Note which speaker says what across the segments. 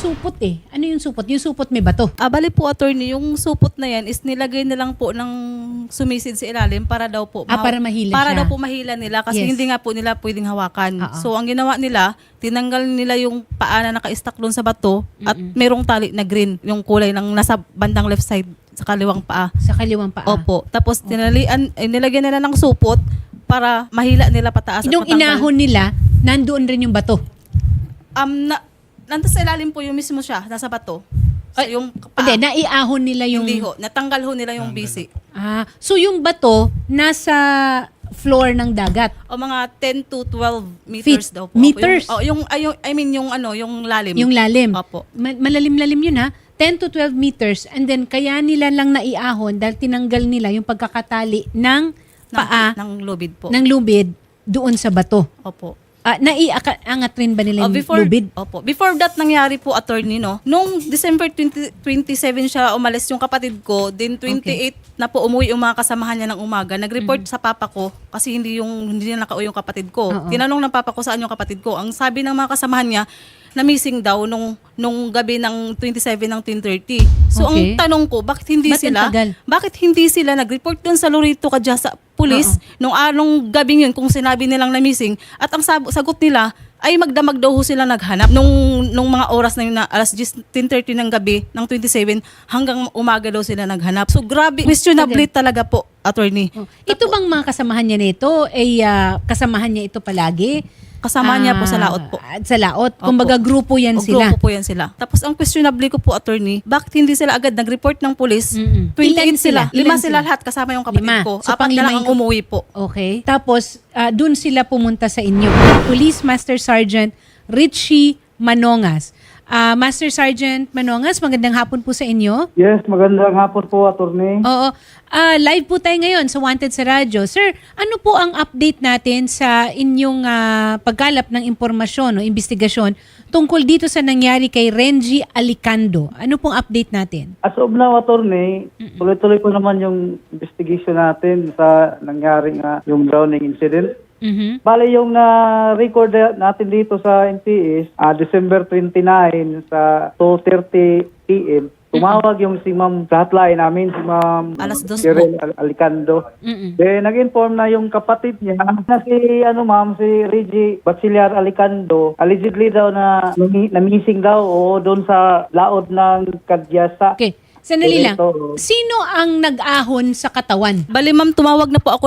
Speaker 1: supot eh. Ano yung supot? Yung supot may bato.
Speaker 2: Bali po, attorney, yung supot na yan is nilagay na lang po ng sumisid sa ilalim para daw po
Speaker 1: Para mahila
Speaker 2: para
Speaker 1: siya.
Speaker 2: daw po mahila nila kasi
Speaker 1: Yes.
Speaker 2: hindi nga po nila pwedeng hawakan.
Speaker 1: Oo.
Speaker 2: So ang ginawa nila, tinanggal nila yung paa na naka-stack doon sa bato at merong tali na green, yung kulay ng nasa bandang left side sa kaliwang paa.
Speaker 1: Sa kaliwang paa.
Speaker 2: Opo. Tapos nilagyan nila ng supot para mahila nila pataas at
Speaker 1: Nung
Speaker 2: matanggal.
Speaker 1: inahon nila, nandoon rin yung bato.
Speaker 2: Nandun sa ilalim po yung mismo siya, nasa bato. So, yung
Speaker 1: Hindi, naiahon nila yung...
Speaker 2: Hindi ho. Natanggal ho nila yung bisi.
Speaker 1: So yung bato, nasa floor ng dagat.
Speaker 2: O mga 10 to 12 meters
Speaker 1: Feet.
Speaker 2: daw po.
Speaker 1: Meters?
Speaker 2: Yung lalim.
Speaker 1: Yung lalim.
Speaker 2: Opo.
Speaker 1: Malalim-lalim yun ha. 10 to 12 meters and then kaya nila lang naiahon dahil tinanggal nila yung pagkakatali ng paa
Speaker 2: Ng lubid po.
Speaker 1: ng lubid doon sa bato.
Speaker 2: Opo.
Speaker 1: Naiangat rin ba nila yung lubid?
Speaker 2: Opo. Before that nangyari po, attorney, no? Nung December 27 siya umalis yung kapatid ko, then 28 na po umuwi yung mga kasamahan niya ng umaga. Nag-report sa papa ko kasi hindi na nakauwi yung kapatid ko.
Speaker 1: Oo.
Speaker 2: Tinanong ng papa ko saan yung kapatid ko. Ang sabi ng mga kasamahan niya, na missing daw nung gabi ng 27 ng 10:30. So
Speaker 1: Okay.
Speaker 2: ang tanong ko, bakit hindi
Speaker 1: Ba't ang
Speaker 2: sila
Speaker 1: tagal?
Speaker 2: nag-report doon sa Lorito Kadya sa pulis nung gabing yun kung sinabi nilang na missing at ang sagot nila ay magdamag daw ho sila naghanap nung mga oras na yun na alas 10:30 ng gabi ng 27 hanggang umaga daw sila naghanap. So grabe, questionable talaga po, attorney.
Speaker 1: Ito bang mga kasamahan niya nito ay kasamahan niya ito palagi?
Speaker 2: Kasama niya po sa laot po.
Speaker 1: Sa laot. Kumbaga grupo yan sila.
Speaker 2: Grupo po yan sila. Tapos ang questionable ko po, attorney, bakit hindi sila agad nag-report ng pulis? 28
Speaker 1: Ilan
Speaker 2: sila.
Speaker 1: sila? Ilan
Speaker 2: 5 sila lahat kasama yung kapatid
Speaker 1: 5.
Speaker 2: ko.
Speaker 1: So,
Speaker 2: 4
Speaker 1: pang-lima
Speaker 2: na lang ang
Speaker 1: yung-
Speaker 2: umuwi po.
Speaker 1: Okay. Tapos, dun sila pumunta sa inyo. Police Master Sergeant Richie Manongas. Master Sergeant Manongas, magandang hapon po sa inyo.
Speaker 3: Yes, magandang hapon po, attorney.
Speaker 1: Oo. Live po tayo ngayon sa Wanted sa Radyo. Sir, ano po ang update natin sa inyong pagkalap ng impormasyon o investigasyon tungkol dito sa nangyari kay Renji Alicando? Ano pong update natin?
Speaker 3: As of now, attorney, tuloy-tuloy po naman yung investigation natin sa nangyaring yung drowning incident.
Speaker 1: Mhm.
Speaker 3: Bale, yung record natin dito sa NPS, December 29 sa 2:30 p.m., tumawag yung si Ma'am hotline namin, si Ma'am
Speaker 2: Alas 2
Speaker 3: Cheryl Alicando.
Speaker 1: Mm-mm.
Speaker 3: Then, nag-inform na yung kapatid niya na si Reggie Bachiller Alicando, allegedly daw na missing daw o doon sa laod ng Kadyasa.
Speaker 1: Okay. Sandali lang.
Speaker 3: Ito.
Speaker 1: Sino ang nag-ahon sa katawan?
Speaker 2: Bali, ma'am, tumawag na po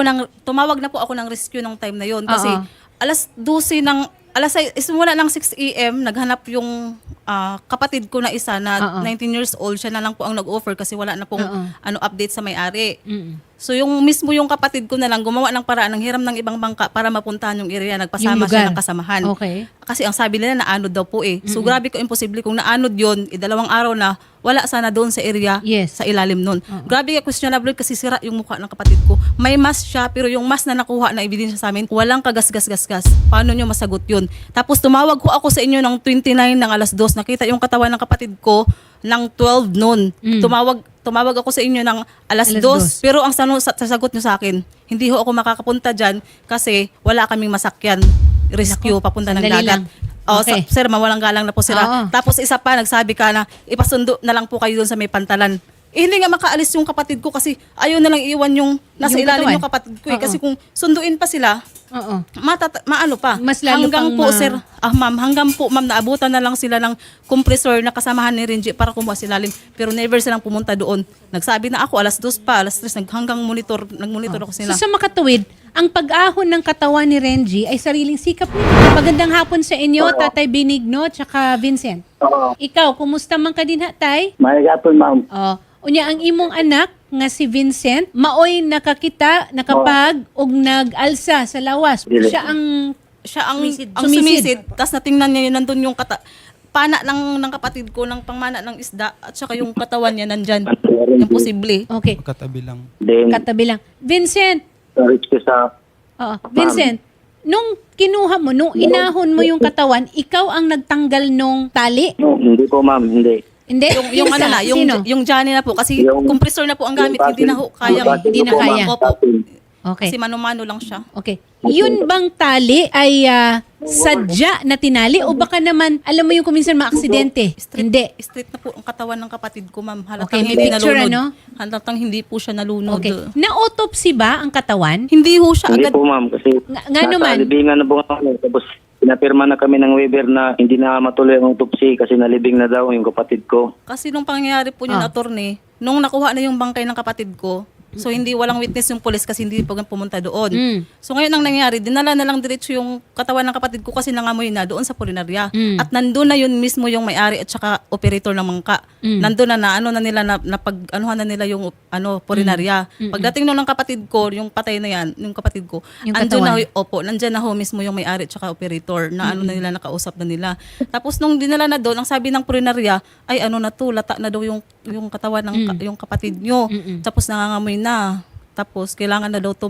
Speaker 2: ako ng rescue ng time na yon kasi
Speaker 1: Oo.
Speaker 2: alas 12 simula ng 6 a.m. naghanap yung kapatid ko na isa na 19 years old. Siya na lang po ang nag-offer kasi wala na pong update sa may-ari.
Speaker 1: Mm-mm.
Speaker 2: So yung mismo yung kapatid ko na lang gumawa ng paraan ng hiram ng ibang bangka para mapuntahan yung area. Nagpasama
Speaker 1: Yung
Speaker 2: siya
Speaker 1: lugar.
Speaker 2: ng kasamahan.
Speaker 1: Okay.
Speaker 2: Kasi ang sabi nila naanod daw po eh. So grabe ko imposible kung naanod yun, 2 araw na wala sana doon sa area
Speaker 1: Yes.
Speaker 2: sa ilalim nun. Grabe ka questionable kasi sira yung mukha ng kapatid ko. May mask siya pero yung mask na nakuha na ebidensya sa amin, walang kagas-gas-gas-gas. Paano nyo masagot yun? Tapos tumawag ko ako sa inyo ng 29 ng alas 2. Nakita yung katawan ng kapatid ko ng 12 noon. Tumawag ako sa inyo ng alas 2.
Speaker 1: Alas 2.
Speaker 2: Pero ang sasagot nyo sa akin, hindi ho ako makakapunta dyan kasi wala kaming masakyan. Rescue, papunta ng
Speaker 1: sandali
Speaker 2: dagat.
Speaker 1: lang. Okay.
Speaker 2: Sir, mawalang galang na po sila.
Speaker 1: Oo.
Speaker 2: Tapos isa pa, nagsabi ka na ipasundo na lang po kayo doon sa may pantalan. Hindi nga makaalis yung kapatid ko kasi ayaw na lang iwan yung nasa
Speaker 1: Yung
Speaker 2: ilalim
Speaker 1: katawan.
Speaker 2: yung kapatid ko eh.
Speaker 1: Oo.
Speaker 2: Kasi kung sunduin pa sila,
Speaker 1: Oo.
Speaker 2: maano pa.
Speaker 1: Mas lalo
Speaker 2: hanggang
Speaker 1: pang
Speaker 2: po, sir, hanggang po, ma'am, naabutan na lang sila ng compressor na kasamahan ni Renji para kumuha sa ilalim. Pero never silang pumunta doon. Nagsabi na ako, alas 2 pa, alas 3, hanggang nagmonitor ako sila.
Speaker 1: So sa makatuwid, ang pag-ahon ng katawan ni Renji ay sariling sikap nito. Magandang hapon sa inyo, Tatay Benigno, tsaka Vincent.
Speaker 4: Oo.
Speaker 1: Ikaw, kumusta man ka din ha, Tay?
Speaker 4: May gapon, ma'am.
Speaker 1: Unya ang imong anak nga si Vincent, maoy nakakita, nakapag og nag-alsa sa lawas.
Speaker 4: Dili.
Speaker 1: Siya ang
Speaker 2: sumisid. Tapos natingnan niya yun, nandun yung pana ng kapatid ko, ng pangmana ng isda, at saka yung katawan niya nandyan. Imposible.
Speaker 1: Okay,
Speaker 5: Katabi lang.
Speaker 4: Then,
Speaker 1: katabi lang. Vincent,
Speaker 4: reach ko sa...
Speaker 1: Vincent, nung kinuha mo, nung inahon mo yung katawan, ikaw ang nagtanggal nung tali?
Speaker 4: No, hindi po, ma'am. Hindi.
Speaker 1: Hindi?
Speaker 2: Yung ano
Speaker 1: Isa?
Speaker 2: na,
Speaker 1: Sino?
Speaker 2: yung Johnny na po, kasi
Speaker 4: Yung-
Speaker 2: compressor na po ang gamit, hindi na ho kayang,
Speaker 1: Hindi na
Speaker 4: po,
Speaker 1: kaya.
Speaker 4: ma'am.
Speaker 2: Opo.
Speaker 1: Okay.
Speaker 2: Kasi mano-mano lang siya.
Speaker 1: Okay. Yun bang tali ay sadya na tinali o baka naman, alam mo yung kuminsan maaksidente? Hindi.
Speaker 2: Straight na po ang katawan ng kapatid ko, ma'am.
Speaker 1: Okay,
Speaker 2: Halatang
Speaker 1: may
Speaker 2: hindi
Speaker 1: picture,
Speaker 2: nalunod.
Speaker 1: ano?
Speaker 2: Halatang hindi po siya nalunod.
Speaker 1: Okay. Na-autopsy ba ang katawan?
Speaker 2: Hindi ho siya
Speaker 4: Hindi
Speaker 2: agad.
Speaker 4: po ma'am kasi
Speaker 1: Nga naman.
Speaker 4: libingan na po kami. Tapos pinapirma na kami ng waiver na hindi na matuloy ang autopsy kasi nalibing na daw yung kapatid ko.
Speaker 2: Kasi nung pangyayari po yun, attorney, nung nakuha na yung bangkay ng kapatid ko, so hindi walang witness yung police kasi hindi po pumunta doon. So ngayon ang nangyari, dinala na lang diretso yung katawan ng kapatid ko kasi nangamoy na doon sa pulinarya. At nandun na yun mismo yung may-ari at saka operator ng mangka. Nandun na ano na nila na pag-anuhan na nila yung pulinarya. Pagdating nun ng kapatid ko, yung patay na yan, yung kapatid ko,
Speaker 1: Yung
Speaker 2: andun na
Speaker 1: katawan.
Speaker 2: nandyan na ho mismo yung may-ari at saka operator na ano na nila, nakausap na nila. Tapos nung dinala na doon, ang sabi ng pulinarya, ay ano na to, lata na daw yung katawan ng yung kapatid nyo. Tapos nangangamoy na. Tapos kailangan na daw to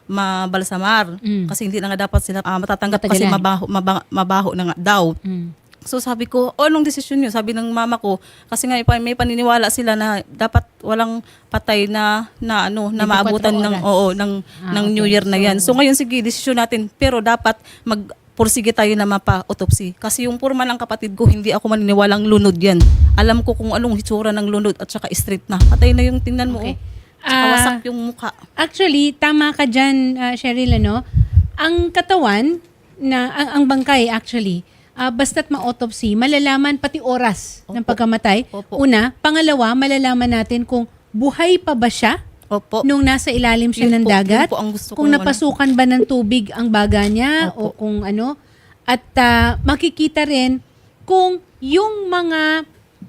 Speaker 2: mabalsamar kasi hindi na nga dapat sila matatanggap kasi
Speaker 1: Matagalan.
Speaker 2: mabaho na nga daw. So sabi ko, anong desisyon nyo? Sabi ng mama ko, kasi nga may paniniwala sila na dapat walang patay na
Speaker 1: 24
Speaker 2: maabutan ng
Speaker 1: oras.
Speaker 2: ng New Year na yan. So ngayon sige, desisyon natin, pero dapat pursige tayo na mapa-autopsy. Kasi yung purma ng kapatid ko, hindi ako maniniwalang lunod yan. Alam ko kung anong hitsura ng lunod at saka straight na. Patay na yung tingnan mo.
Speaker 1: Okay.
Speaker 2: Tsaka wasak yung mukha.
Speaker 1: Actually, tama ka dyan, Cheryl, ano? Ang katawan, ang bangkay actually, basta't ma-autopsy, malalaman pati oras ng pagkamatay.
Speaker 2: Opo.
Speaker 1: Una. Pangalawa, malalaman natin kung buhay pa ba siya
Speaker 2: Opo.
Speaker 1: nung nasa ilalim siya
Speaker 2: Yun
Speaker 1: ng
Speaker 2: po,
Speaker 1: dagat,
Speaker 2: yun po ang gusto
Speaker 1: kung
Speaker 2: kong
Speaker 1: napasukan ba ng tubig ang baga niya o kung ano. At makikita rin kung yung mga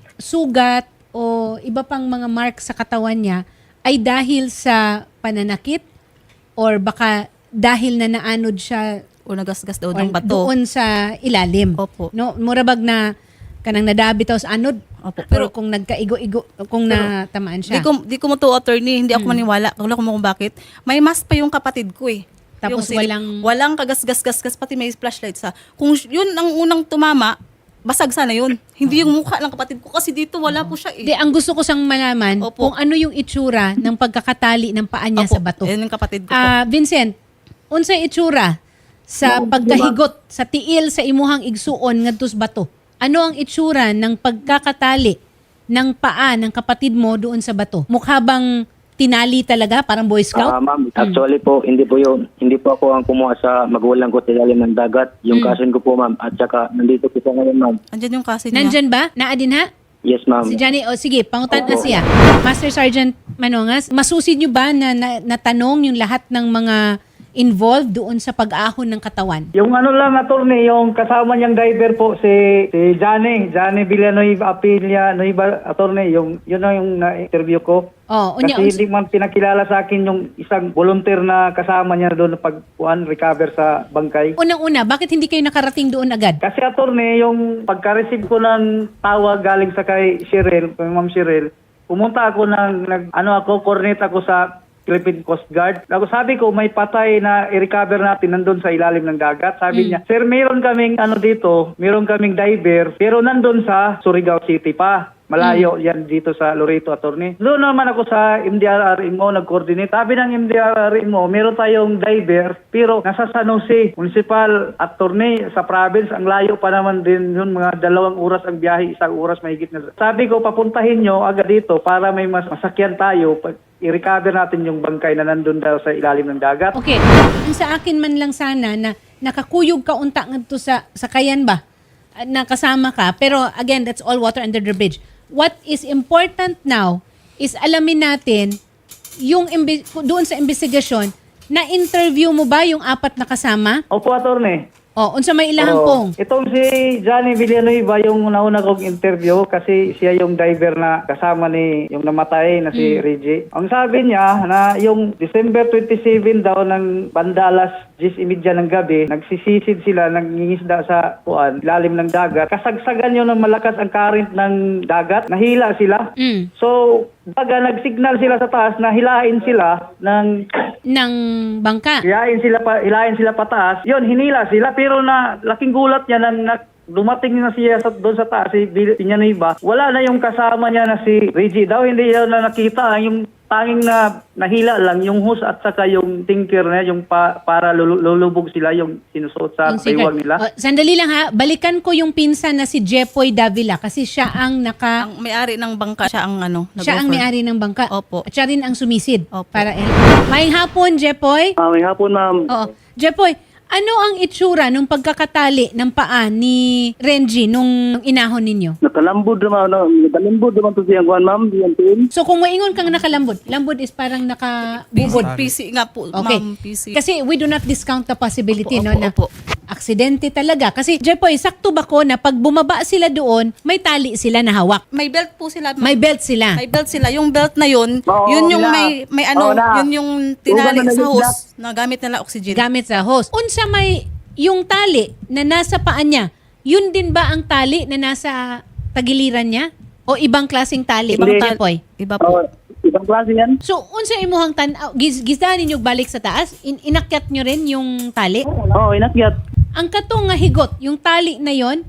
Speaker 1: sugat o iba pang mga mark sa katawan niya ay dahil sa pananakit or baka dahil na naanod siya
Speaker 2: O nagasgas daw
Speaker 1: or
Speaker 2: ng bato.
Speaker 1: doon sa ilalim.
Speaker 2: Opo.
Speaker 1: No, murabag na kanang nadabi taw sa anod.
Speaker 2: Opo.
Speaker 1: Pero kung nagkaigo-igo, kung natamaan siya.
Speaker 2: Di ko mo to attorney, hindi ako maniwala. Wala ko kung bakit. May mask pa yung kapatid ko eh.
Speaker 1: Tapos
Speaker 2: walang kagasgas-gasgas, pati may flashlight sa. Kung yun ang unang tumama, basag sana yun. Hindi yung mukha ng kapatid ko kasi dito wala po siya eh.
Speaker 1: Di, ang gusto ko sang malaman
Speaker 2: Opo.
Speaker 1: kung ano yung itsura ng pagkakatali ng paa niya
Speaker 2: Opo,
Speaker 1: sa bato.
Speaker 2: Yan yung kapatid ko po.
Speaker 1: Vincent, unsay itsura sa pagkahigot sa tiil sa imuhang igsuon ngadto sa bato? Ano ang itsura ng pagkakatali ng paa ng kapatid mo doon sa bato? Mukha bang tinali talaga parang Boy Scout?
Speaker 4: Ma'am, actually po, hindi po yun. Hindi po ako ang kumuha sa magulang ko sa ilalim ng dagat. Yung cousin ko po, ma'am. At saka, nandito po siya ngayon, ma'am.
Speaker 2: Andyan yung kasi niya.
Speaker 1: Nandyan ba? Naadin ha?
Speaker 4: Yes, ma'am.
Speaker 1: Si Johnny, o sige, pangutan na siya. Master Sergeant Manongas, masusid nyo ba na natanong yung lahat ng mga involved doon sa pag-ahon ng katawan?
Speaker 3: Yung ano lang, attorney, yung kasama niyang driver po, si Johnny Villanueva Apilia, attorney, yun na yung na-interview ko.
Speaker 1: Oh,
Speaker 3: Kasi hindi man pinakilala sa akin yung isang volunteer na kasama niya doon na recover sa bangkay.
Speaker 1: unang-una, bakit hindi kayo nakarating doon agad?
Speaker 3: Kasi attorney, yung pagka-receive ko ng tawag galing sa kay Ma'am Cheryl, pumunta ako coordinate ako sa Philippine Coast Guard. Sabi ko, may patay na i-recover natin nandun sa ilalim ng dagat. Sabi niya, sir, meron kaming meron kaming diver, pero nandun sa Surigao City pa. Malayo yan dito sa Loreto, attorney. Doon naman ako sa MDRRMO nag-coordinate. Sabi ng MDRRMO, meron tayong diver, pero nasa San Jose Municipal, attorney, sa province. Ang layo pa naman din yun, mga 2 oras ang biyahe, 1 oras mahigit na. Sabi ko, papuntahin nyo agad dito para may mas masakyan tayo. I-recover natin yung bangkay na nandun daw sa ilalim ng dagat.
Speaker 1: Okay, yung sa akin man lang sana na nakakuyog ka unta ngadto sa kayan ba? Na kasama ka, pero again, that's all water under the bridge. What is important now is alamin natin yung doon sa investigasyon, na-interview mo ba yung 4 na kasama?
Speaker 3: Opo, attorney.
Speaker 1: O, unsa may ilahang pong?
Speaker 3: Itong si Johnny Villanueva yung nauna kong interview kasi siya yung diver na kasama ni yung namatay na si Reggie. Ang sabi niya na yung December 27 daw ng bandalas 10:30 ng gabi, nagsisisid sila, nangingisda sa ilalim ng dagat. Kasagsagan yun ng malakas ang current ng dagat, nahila sila. So, baga nagsignal sila sa taas na hilain sila
Speaker 1: Ng bangka.
Speaker 3: hilain sila pataas. Yun, hinila sila pero na laking gulat niya na dumating na siya doon sa taas si Villanueva. Wala na yung kasama niya na si Reggie daw, hindi niya na nakita yung tanging na nahila lang yung hose at saka yung tinker na yung para lulubog sila yung sinusuot sa
Speaker 1: Yung secret.
Speaker 3: baywang nila.
Speaker 1: Sandali lang ha, balikan ko yung pinsan na si Jepoy Davila kasi siya ang
Speaker 2: Ang may-ari ng bangka, siya ang
Speaker 1: siya ang
Speaker 2: nag-offer.
Speaker 1: may-ari ng bangka.
Speaker 2: Opo.
Speaker 1: At siya rin ang sumisid.
Speaker 2: Opo.
Speaker 1: Para Maayong hapon, Jepoy.
Speaker 4: May hapon, ma'am.
Speaker 1: Oo. Jepoy, ano ang itsura nung pagkakatali ng paa ni Renji nung inahon ninyo?
Speaker 4: Nakalambod naman to siyang kuhan, ma'am. Diyan team.
Speaker 1: So kung maingon kang nakalambod, lambod is parang nakabubod.
Speaker 2: PC nga po,
Speaker 1: Okay.
Speaker 2: ma'am, PC.
Speaker 1: Kasi we do not discount the possibility
Speaker 2: Opo,
Speaker 1: no
Speaker 2: opo,
Speaker 1: na
Speaker 2: opo.
Speaker 1: aksidente talaga. Kasi Jepoy, sakto ba ko na pag bumaba sila doon, may tali sila na hawak.
Speaker 2: May belt po sila, ma'am.
Speaker 1: May belt sila.
Speaker 2: May belt sila. Yung belt na yun,
Speaker 4: Oo,
Speaker 2: yun yung
Speaker 4: nila.
Speaker 2: may ano,
Speaker 4: Oo, na.
Speaker 2: yun yung tinali
Speaker 4: Ugan na
Speaker 2: sa
Speaker 4: nagigla.
Speaker 2: hose na gamit nila oxygen.
Speaker 1: Gamit sa hose. Unsa may yung tali na nasa paa niya, yun din ba ang tali na nasa tagiliran niya? O ibang klaseng tali?
Speaker 2: Ibang
Speaker 1: Ibang Jepoy?
Speaker 2: Iba po.
Speaker 4: Ibang klase yan.
Speaker 1: So, unsa imuhang gisdahan ninyo balik sa taas? Inakyat nyo rin yung tali?
Speaker 4: Inakyat.
Speaker 1: Ang katong nga higot, yung tali na yon,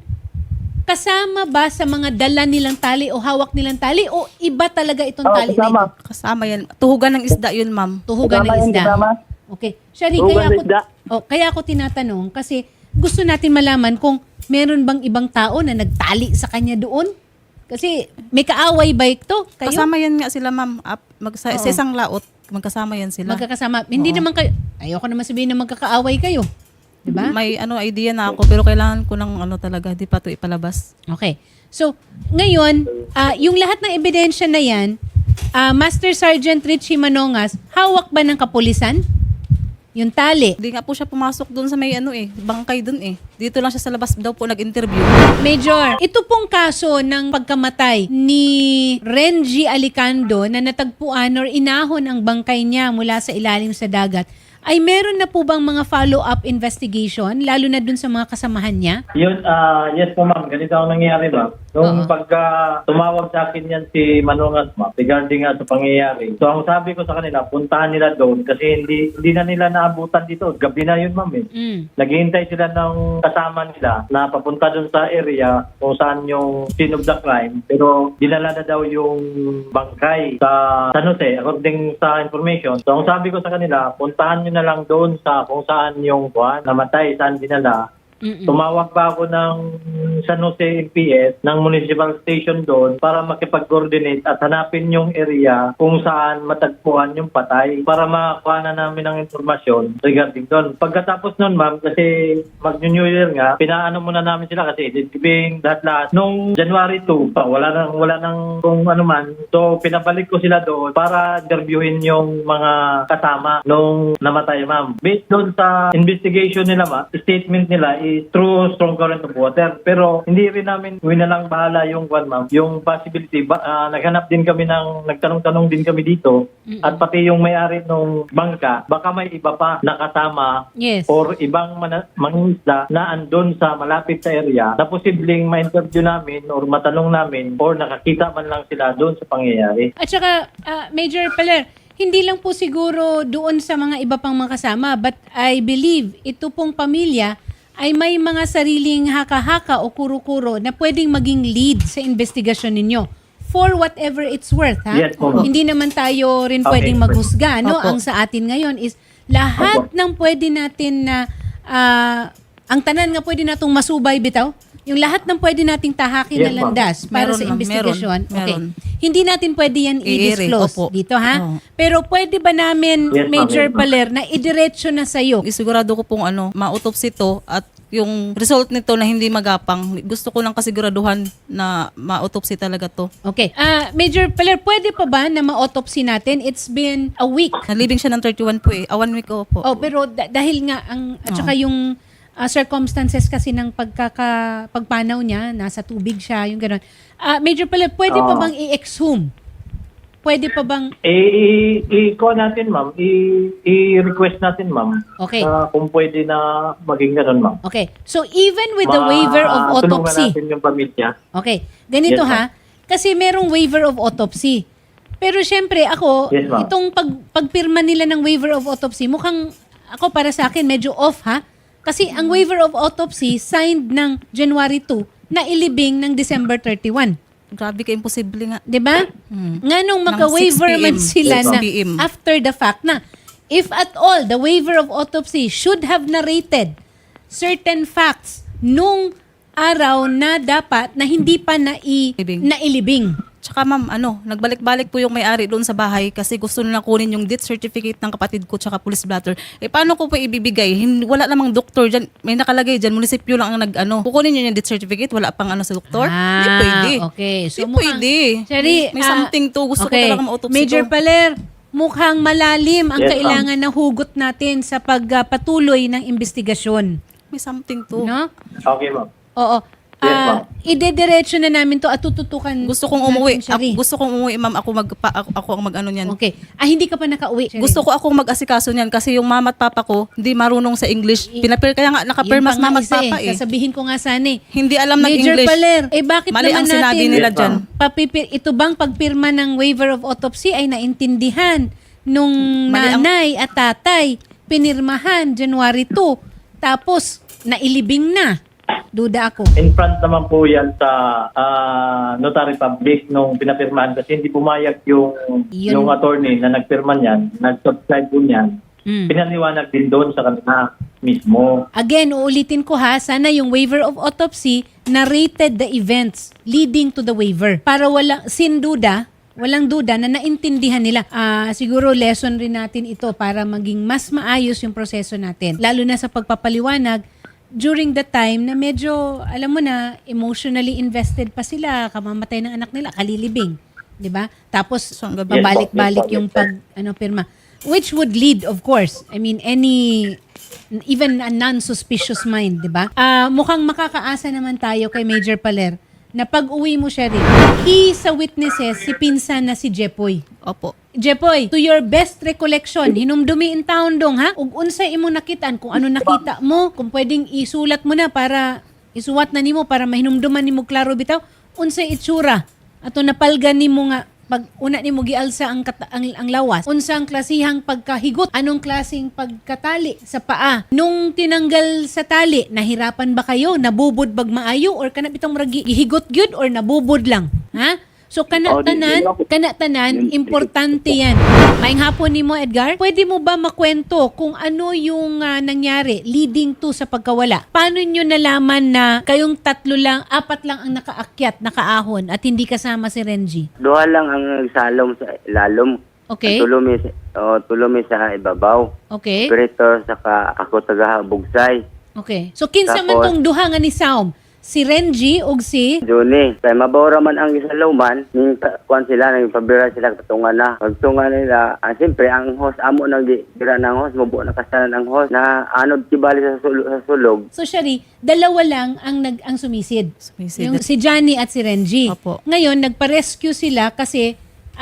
Speaker 1: kasama ba sa mga dala nilang tali o hawak nilang tali o iba talaga itong tali na ito?
Speaker 2: Kasama yan. Tuhugan ng isda yun, ma'am.
Speaker 1: Tuhugan ng isda. Okay. Shari,
Speaker 4: Tuhugan ng isda.
Speaker 1: kaya ako tinatanong kasi gusto natin malaman kung meron bang ibang tao na nagtali sa kanya doon. Kasi may kaaway ba ito? Kayo?
Speaker 2: Kasama yan nga sila, ma'am. Sa
Speaker 1: Oo.
Speaker 2: isang laot, magkasama yan sila.
Speaker 1: Magkakasama. Hindi naman kayo, ayoko naman sabihin na magkakaaway kayo. Diba?
Speaker 2: May idea na ako, pero kailangan ko ng talaga, di pa ito ipalabas.
Speaker 1: Okay. So, ngayon, yung lahat ng ebidensya na yan, Master Sergeant Richie Manongas, hawak ba ng kapulisan? Yung tali.
Speaker 2: Hindi nga po siya pumasok doon sa may bangkay doon eh. Dito lang siya sa labas daw po nag-interview.
Speaker 1: Major, ito pong kaso ng pagkamatay ni Renji Alicando na natagpuan or inahon ang bangkay niya mula sa ilalim sa dagat, ay meron na po bang mga follow-up investigation, lalo na dun sa mga kasamahan niya?
Speaker 5: Yun, yes po ma'am, ganito ang nangyayari ma'am. Nung pagka tumawag sa akin yan si Manongas ma'am, regarding nga sa pangyayari. So ang sabi ko sa kanila, puntahan nila doon kasi hindi na nila naabutan dito. Gabi na yun ma'am eh. Naghihintay sila ng kasama nila na papunta doon sa area kung saan yung scene of the crime. Pero dinala na daw yung bangkay sa San Jose according sa information. So ang sabi ko sa kanila, puntahan nyo na lang doon sa kung saan yung namatay, saan dinala. Tumawag pa ako ng San Jose MPS ng municipal station doon para makipag-coordinate at hanapin yung area kung saan matagpuan yung patay para makakuha na namin ng informasyon regarding doon. Pagkatapos noon ma'am, kasi mag-New Year nga, pinaano muna namin sila kasi editibing lahat-lahat. Nung January 2 pa, wala nang kung ano man. So pinabalik ko sila doon para interviewin yung mga kasama nung namatay ma'am. Based doon sa investigation nila ma'am, statement nila through strong current of water. Pero hindi rin namin winalang bahala yung ma'am, yung possibility. Naghanap din kami nagtanong-tanong din kami dito at pati yung may-ari ng bangka, baka may iba pa nakasama
Speaker 1: Yes.
Speaker 5: or ibang mangingisda na andun sa malapit sa area na posibleng ma-interview namin or matanong namin or nakakita man lang sila doon sa pangyayari.
Speaker 1: At saka, Major Peler, hindi lang po siguro doon sa mga iba pang mga kasama, but I believe ito pong pamilya ay may mga sariling haka-haka o kuro-kuro na pwedeng maging lead sa investigasyon ninyo. For whatever it's worth, ha?
Speaker 5: Yes, po.
Speaker 1: Hindi naman tayo rin
Speaker 5: Okay.
Speaker 1: pwedeng maghusga, no?
Speaker 2: Opo.
Speaker 1: Ang sa atin ngayon is lahat ng pwede natin na ang tanan nga pwede natong masubay bitaw, yung lahat ng pwede nating tahakin na
Speaker 5: Yes, ma'am.
Speaker 1: landas para
Speaker 2: Meron,
Speaker 1: sa
Speaker 2: ma'am.
Speaker 1: investigasyon.
Speaker 2: Meron.
Speaker 1: Okay. Hindi natin pwede yan i-disclose
Speaker 2: Opo.
Speaker 1: dito, ha?
Speaker 2: Oo.
Speaker 1: Pero pwede ba namin,
Speaker 5: Yes, ma'am.
Speaker 1: Major
Speaker 5: Yes, ma'am.
Speaker 1: Paler, na idiretso na sa'yo?
Speaker 2: Isigurado ko pong ma-autopsy to at yung result nito na hindi magapang. Gusto ko lang kasiguraduhan na ma-autopsy talaga to.
Speaker 1: Okay. Major Paler, pwede pa ba na ma-autopsy natin? It's been a week.
Speaker 2: Nalibing siya ng 31 po eh. 1 week po.
Speaker 1: Oh, pero dahil nga at saka yung circumstances kasi ng pagpanaw niya, nasa tubig siya, yung gano'n. Major Paler, pwede pa bang i-exhume? Pwede pa bang
Speaker 5: I-call natin ma'am, i-request natin ma'am.
Speaker 1: Okay.
Speaker 5: Kung pwede na maging ganun ma'am.
Speaker 1: Okay. So even with the waiver of autopsy.
Speaker 5: Tulungan natin yung pamilya.
Speaker 1: Okay. Ganito
Speaker 5: Yes,
Speaker 1: ha. Kasi merong waiver of autopsy. Pero syempre ako,
Speaker 5: Yes, ma'am.
Speaker 1: itong pagpirma nila ng waiver of autopsy, mukhang ako para sa akin medyo off ha. Kasi ang waiver of autopsy signed ng January 2 na ilibing ng December 31.
Speaker 2: Grabe ka, imposible nga.
Speaker 1: 'Di ba? Nga nung
Speaker 2: Ng
Speaker 1: maka-waiver
Speaker 2: 6
Speaker 1: man
Speaker 2: PM.
Speaker 1: sila
Speaker 2: Yes,
Speaker 1: na
Speaker 2: PM.
Speaker 1: after the fact na if at all the waiver of autopsy should have narrated certain facts nung araw na dapat na hindi pa nailibing.
Speaker 2: Tsaka ma'am, nagbalik-balik po yung may-ari doon sa bahay kasi gusto nila kunin yung death certificate ng kapatid ko tsaka police blotter. Paano ko po ibibigay? Wala namang doktor dyan. May nakalagay dyan, munisipyo lang ang kukunin nyo yung death certificate, wala pang sa doktor. Hindi pwede.
Speaker 1: Okay. So
Speaker 2: Hindi pwede.
Speaker 1: Sherry,
Speaker 2: May something to. Gusto ko talaga ma-autopsy
Speaker 1: Major
Speaker 2: to.
Speaker 1: Paler, mukhang malalim ang
Speaker 5: Yes,
Speaker 1: kailangan na hugot natin sa pagpatuloy ng investigasyon.
Speaker 2: May something to.
Speaker 1: No?
Speaker 5: Okay, ma'am.
Speaker 1: Oo.
Speaker 5: Yes, ma'am.
Speaker 1: Idediretso na namin to at tututukan
Speaker 2: Gusto kong umuwi.
Speaker 1: natin, Sherry.
Speaker 2: Gusto kong umuwi, ma'am. Ako ang mag-ano niyan.
Speaker 1: Okay. Hindi ka pa nakauwi, Sherry.
Speaker 2: Gusto ko akong mag-asikaso niyan kasi yung mama at papa ko hindi marunong sa English. Kaya nga nakapirmas
Speaker 1: Yun pa nga
Speaker 2: mama at
Speaker 1: isa
Speaker 2: papa eh.
Speaker 1: Sasabihin ko nga sana eh.
Speaker 2: Hindi alam
Speaker 1: Major
Speaker 2: ng-English.
Speaker 1: Paler, bakit
Speaker 2: Mali
Speaker 1: naman
Speaker 2: ang sinabi
Speaker 1: natin
Speaker 2: nila
Speaker 5: Yes,
Speaker 2: dyan.
Speaker 5: ma'am.
Speaker 1: ito bang pagpirma ng waiver of autopsy ay naintindihan nung
Speaker 2: Mali ang-
Speaker 1: nanay at tatay, pinirmahan January 2, tapos nailibing na. Duda ako.
Speaker 5: In front naman po yan sa notary public nung pinapirmahan kasi hindi pumayag yung attorney na nagpirma niyan, nag-subscribe po niyan. Pinaliwanag din doon sa kanila mismo.
Speaker 1: Again, uulitin ko ha, sana yung waiver of autopsy narrated the events leading to the waiver. Para walang duda na naintindihan nila. Siguro lesson rin natin ito para maging mas maayos yung proseso natin. Lalo na sa pagpapaliwanag during the time na medyo, alam mo na, emotionally invested pa sila, kamamatay ng anak nila, kalilibing. 'Di ba? Tapos,
Speaker 2: So, ang gabi-
Speaker 1: pabalik-balik yung pirma. Which would lead, of course, I mean, even a non-suspicious mind, 'di ba? Mukhang makakaasa naman tayo kay Major Paler na pag-uwi mo siya rin. Sa witnesses, si pinsan na si Jepoy.
Speaker 2: Opo.
Speaker 1: Jepoy, to your best recollection, hinumdumi in town dong ha? Ug unsay imo nakitaan, kung ano nakita mo, kung pwedeng isulat mo na para isuwat na nimo para mahinumduman nimo klaro bitaw, unsay itsura. Ato napalgan nimo nga pag una nimo gialsa ang lawas. Unsang klasihang pagkahigot, anong klaseng pagkatali sa paa. Nung tinanggal sa tali, nahirapan ba kayo? Nabubod bag maayo or kana bitong murag gihigot gyud or nabubod lang? Ha? So kanatanan, importante yan. Maayong hapon nimo, Edgar. Pwede mo ba makwento kung ano yung nangyari leading to sa pagkawala? Paano nyo nalaman na kayong 4 lang ang nakaahon at hindi kasama si Renji?
Speaker 4: Duha lang ang nagsalom sa ilalom.
Speaker 1: Okay?
Speaker 4: Tulumi sa ibabaw.
Speaker 1: Okay?
Speaker 4: Operator saka ako tagahabugsay.
Speaker 1: Okay. So kinsa man
Speaker 4: Tapos-
Speaker 1: tong duha nga ni Saum? Si Renji ug si
Speaker 4: Juni, kay mabawra man ang isalawman, ning kuan sila nang pabira sila katungan na. Pagtungan nila, siyempre ang host amo nang dira ng host, mubo na kasanan ang host na anod kibali sa sulog.
Speaker 1: So Shari, dalawa lang ang sumisid.
Speaker 2: Sumisid.
Speaker 1: Yung si Johnny at si Renji.
Speaker 2: Opo.
Speaker 1: Ngayon, nagpa-rescue sila kasi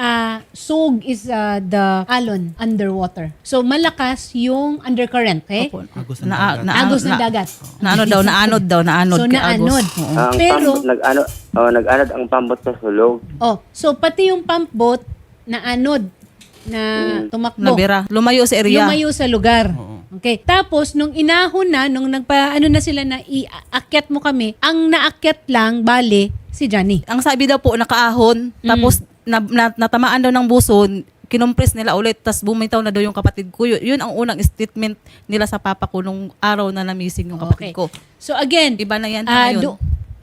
Speaker 1: Sog is the alon underwater. So malakas yung undercurrent, okay?
Speaker 2: Opo.
Speaker 6: Agos
Speaker 1: Agos ng dagat.
Speaker 2: Naanod daw.
Speaker 1: So naanod.
Speaker 4: Ang
Speaker 1: Pero,
Speaker 4: nag-anod ang pambot sa sulog.
Speaker 1: so pati yung pump boat naanod na tumakbo.
Speaker 2: Nabira. Lumayo sa area.
Speaker 1: Lumayo sa lugar. Okay. Tapos, nung inahon na, nung na sila na iakyat mo kami, ang naakyat lang, bale, si Johnny.
Speaker 2: Ang sabi daw po, nakaahon. Tapos, natamaan daw ng buson. Kinumpres nila ulit. Tapos, bumitaw na daw yung kapatid ko. Yun ang unang statement nila sa papa ko nung araw na namising yung kapatid ko.
Speaker 1: So again,
Speaker 2: Iba na yan ngayon.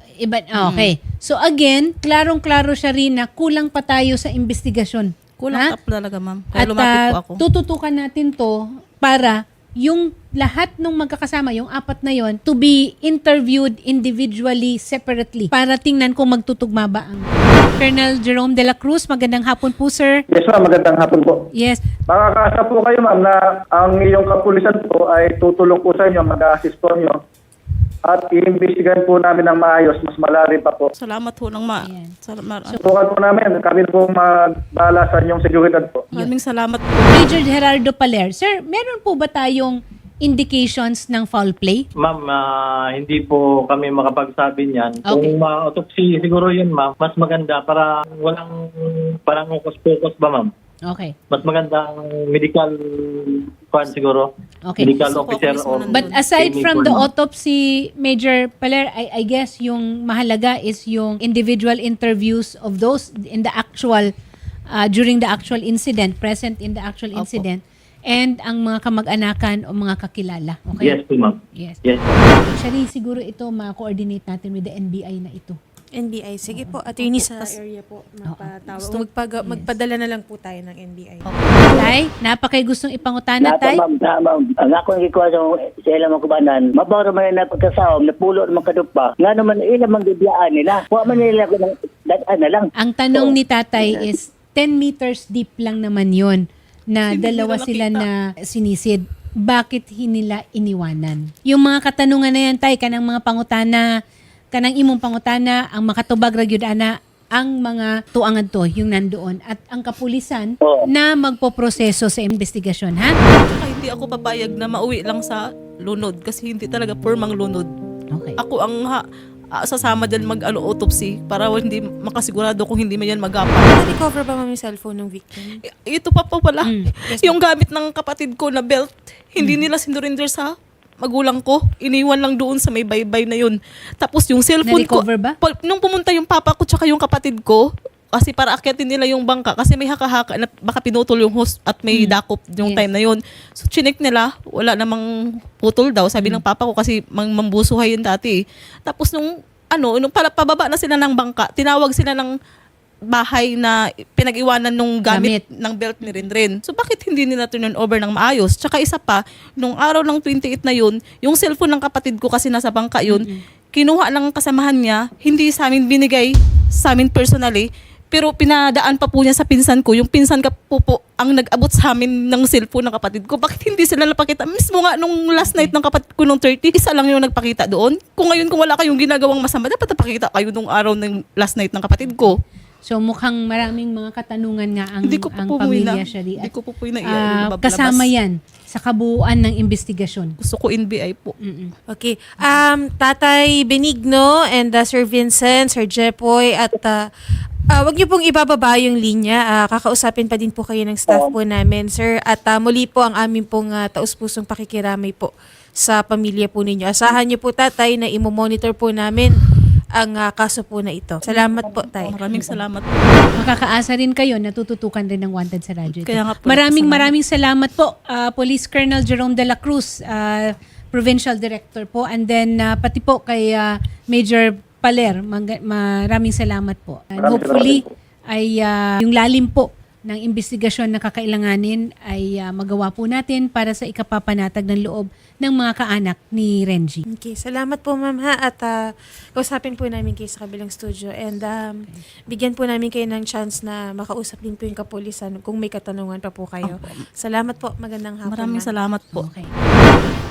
Speaker 1: Okay. So again, klarong-klaro siya rin na kulang pa tayo sa investigasyon.
Speaker 2: Kulang
Speaker 1: Ha?
Speaker 2: up talaga, ma'am. Kaya
Speaker 1: At
Speaker 2: lumapit po ako.
Speaker 1: tututukan natin to para yung lahat ng magkakasama, yung 4 na yon, to be interviewed individually, separately, para tingnan kung magtutugma ba ang Colonel Jerome de la Cruz. Magandang hapon po, sir.
Speaker 3: Yes ma'am, magandang hapon po.
Speaker 1: Yes.
Speaker 3: Makakaasa po kayo ma'am na ang iyong kapulisan po ay tutulong po sa inyo, mag-assist po inyo. At i-investigahan po namin ng maayos, mas malalim pa po.
Speaker 2: Salamat po ng
Speaker 1: Ayan.
Speaker 3: Tutukan po namin, kami po magbala sa inyong seguridad po.
Speaker 2: Maraming salamat po.
Speaker 1: Major Gerardo Paler. Sir, meron po ba tayong indications ng foul play?
Speaker 5: Ma'am, hindi po kami makapagsabi niyan.
Speaker 1: Okay.
Speaker 5: Kung ma-autopsy, siguro yun, ma'am, mas maganda para walang parang focus ba, ma'am?
Speaker 1: Okay.
Speaker 5: Mas maganda ang medical kwan siguro.
Speaker 1: Okay.
Speaker 5: Medical
Speaker 2: So,
Speaker 5: officer
Speaker 2: police
Speaker 5: or...
Speaker 2: man
Speaker 1: But aside
Speaker 5: clinic
Speaker 1: from
Speaker 5: or
Speaker 1: the
Speaker 5: not.
Speaker 1: autopsy, Major Paler, I guess yung mahalaga is yung individual interviews of those in the actual, during the actual incident, present in the actual incident, and ang mga kamag-anakan o mga kakilala. Okay?
Speaker 5: Yes po, ma'am.
Speaker 1: Yes.
Speaker 5: Yes.
Speaker 1: Shari, siguro ito ma-coordinate natin with the NBI na ito.
Speaker 6: NBI. Sige po, attorney sa area po. Magpadala na lang po tayo ng NBI.
Speaker 1: Tay, napakay gustong ipangutana, Tay.
Speaker 7: Ma'am, ang ako ang ikuha sa ilang mga kubanan, mabawro man na pagkasawam, napulo naman kadupa, nga naman ilang mga bibiyaan nila. Huwag man nila ko ng dadaan na lang.
Speaker 1: Ang tanong ni Tatay is 10 meters deep lang naman yon na
Speaker 2: Hindi
Speaker 1: dalawa
Speaker 2: nila
Speaker 1: sila
Speaker 2: nakita.
Speaker 1: na sinisid. Bakit hinila iniwanan? Yung mga katanungan na yan, Tay, kanang mga pangutana, kanang imong pangutana, ang makatubag ragyud ana, ang mga tuangan to, yung nandoon, at ang kapulisan
Speaker 7: Oo.
Speaker 1: na magpoproseso sa investigasyon, ha?
Speaker 2: Saka hindi ako papayag na mauwi lang sa lunod kasi hindi talaga pormang lunod.
Speaker 1: Okay.
Speaker 2: Ako ang sasama dyan autopsy para hindi makasigurado kung hindi man yan magapa.
Speaker 6: Na-recover ba ma'am yung cellphone ng victim?
Speaker 2: Ito pa pala.
Speaker 1: Mm.
Speaker 2: Yung gamit ng kapatid ko na belt, hindi nila sinurinder sa magulang ko. Iniwan lang doon sa may baybay na yun. Tapos yung cellphone ko,
Speaker 1: Na-recover ba?
Speaker 2: nung pumunta yung papa ko tsaka yung kapatid ko, kasi para akyatin nila yung bangka kasi may haka-haka na baka pinutol yung hose at may dakop yung
Speaker 1: Yes.
Speaker 2: time na yun. So chinik nila, wala namang putol daw. Sabi ng papa ko kasi mambusuhay yun dati. Tapos nung pababa na sila ng bangka, tinawag sila ng bahay na pinag-iwanan nung gamit ng belt ni Renren. So bakit hindi nila turn over ng maayos? Tsaka isa pa, nung araw ng 28 na yun, yung cellphone ng kapatid ko kasi nasa bangka yun, kinuha ng kasamahan niya, hindi sa amin binigay, sa amin personally, pero pinadaan pa po niya sa pinsan ko. Yung pinsan ka po ang nag-abot sa amin ng cellphone ng kapatid ko. Bakit hindi sila napakita? Mismo nga nung last night ng kapatid ko nung 30, isa lang yung nagpakita doon. Kung ngayon kung wala kayong ginagawang masama, dapat napakita kayo nung araw ng last night ng kapatid ko.
Speaker 1: So mukhang maraming mga katanungan nga ang,
Speaker 2: Hindi ko po
Speaker 1: ang
Speaker 2: po
Speaker 1: pamilya,
Speaker 2: muna.
Speaker 1: Shari.
Speaker 2: Hindi
Speaker 1: At,
Speaker 2: ko po po na
Speaker 1: kasama yan sa kabuuan ng investigasyon.
Speaker 2: Gusto ko NBI po.
Speaker 6: Okay. Tatay Benigno and Sir Vincent, Sir Jepoy, at wag niyo pong ibababa yung linya. Kakausapin pa din po kayo ng staff po namin, sir. At muli po ang aming pong taus-pusong pakikiramay po sa pamilya po ninyo. Asahan niyo po, tatay, na imo-monitor po namin ang kaso po na ito. Salamat po, tay.
Speaker 2: Maraming salamat po.
Speaker 1: Makakaasa rin kayo, natututukan rin ng Wanted sa radyo. ito.
Speaker 2: Kaya nga po,
Speaker 1: Maraming salamat po, Police Colonel Jerome de la Cruz, Provincial Director po, and then pati po kay Major Paler, maraming salamat po. And hopefully, ay yung lalim po ng investigasyon na kakailanganin ay magawa po natin para sa ikapapanatag ng loob ng mga kaanak ni Renji.
Speaker 6: Okay, salamat po ma'am ha, at kausapin po namin kayo sa kabilang studio, and bigyan po namin kayo ng chance na makausap din po yung kapulisan kung may katanungan pa po kayo. Salamat po, magandang hapon.
Speaker 2: Maraming
Speaker 6: ma'am.
Speaker 2: salamat po.
Speaker 1: Okay.